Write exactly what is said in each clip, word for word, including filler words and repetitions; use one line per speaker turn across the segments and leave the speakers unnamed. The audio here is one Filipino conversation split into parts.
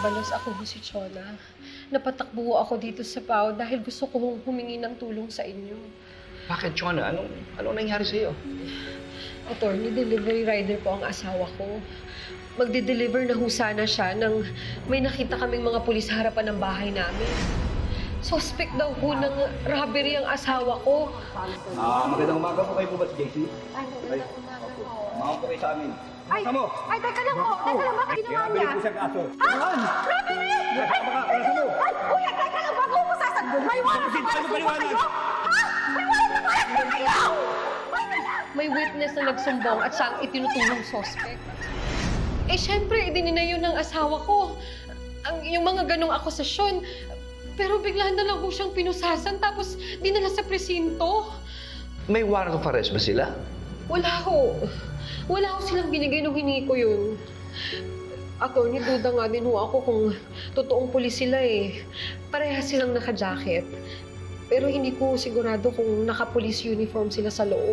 Mabalos ako si Chona. Napatakbo ako dito sa P A O dahil gusto kong humingi ng tulong sa inyo.
Bakit, Chona? Anong, anong nangyari sa'yo?
Attorney, delivery rider po ang asawa ko. Magde-deliver na ho sana siya nang may nakita kaming mga pulis sa harapan ng bahay namin. Suspect daw po ng robbery ang asawa ko.
Ah, magandang umaga po kayo po ba si J C?
Ay, magandang umaga po.
Mga po kayo sa amin.
Ay,
Kasama mo?
ay, teka lang po. Teka lang, bakit ginawa
Kaya
niya?
ko siyang kaso.
Ha? Robbery! Ay,
Baka, kalasa mo.
ay, kuya, teka lang, bago mo sasagot. May warrant
Bakit?
na
Ano
para
paliwanag?
kayo? Ha? May warrant na para kayo! Ay, wala.
May witness na nagsumbong at siya ang itinutulong suspect. Eh, syempre, idinina yun ng asawa ko. Ang, yung mga ganong akusasyon. Pero bigla na lang ho siyang pinusasan tapos dinala sa presinto.
May warrant of arrest ba sila?
Wala ho. Wala ho silang binigay nung hiningi ko yun. Attorney, duda nga din ho ako kung totoong pulis sila eh. Parehas silang naka-jacket. Pero hindi ko sigurado kung naka-police uniform sila sa loob.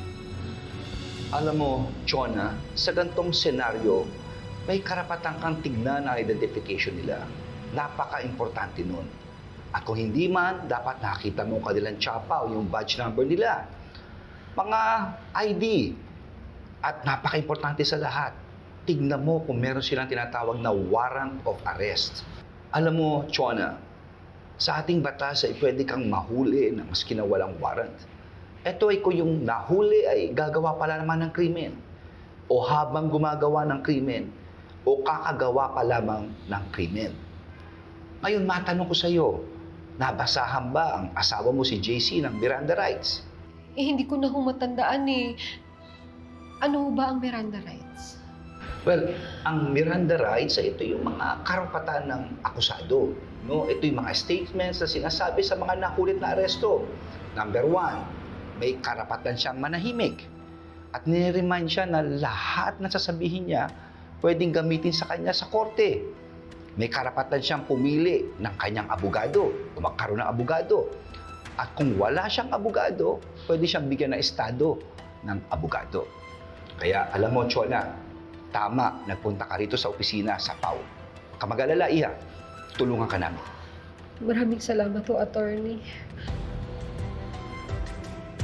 Alam mo, Chona, sa gantong senaryo, may karapatan kang tignan ang identification nila. Napaka-importante nun. At kung hindi man, dapat nakita mo ang kanilang tsapa o yung badge number nila. Mga I D. At napaka-importante sa lahat, tignan mo kung meron silang tinatawag na warrant of arrest. Alam mo, Chona, sa ating batas ay pwede kang mahuli na maski na walang warrant. Ito ay kung yung nahuli ay gagawa pala naman ng krimen. O habang gumagawa ng krimen, o kakagawa pa lamang ng krimen. Ngayon, matanong ko sa iyo, nabasahan ba ang asawa mo si J C ng Miranda rights?
Eh, hindi ko na ho matandaan eh. Ano ho ba ang Miranda rights?
Well, ang Miranda rights ay ito yung mga karapatan ng akusado. No? Ito yung mga statements na sinasabi sa mga nakulit na aresto. Number one, may karapatan siyang manahimik. At nire-remind siya na lahat na sasabihin niya pwedeng gamitin sa kanya sa korte. May karapatan siyang pumili ng kanyang abogado o magkaroon ng abogado. At kung wala siyang abogado, pwede siyang bigyan ng estado ng abogado. Kaya alam mo, Chona, tama, nagpunta ka rito sa opisina sa P A O. Huwag ka mag-alala, Iha. Tulungan ka namin.
Maraming salamat ho, attorney.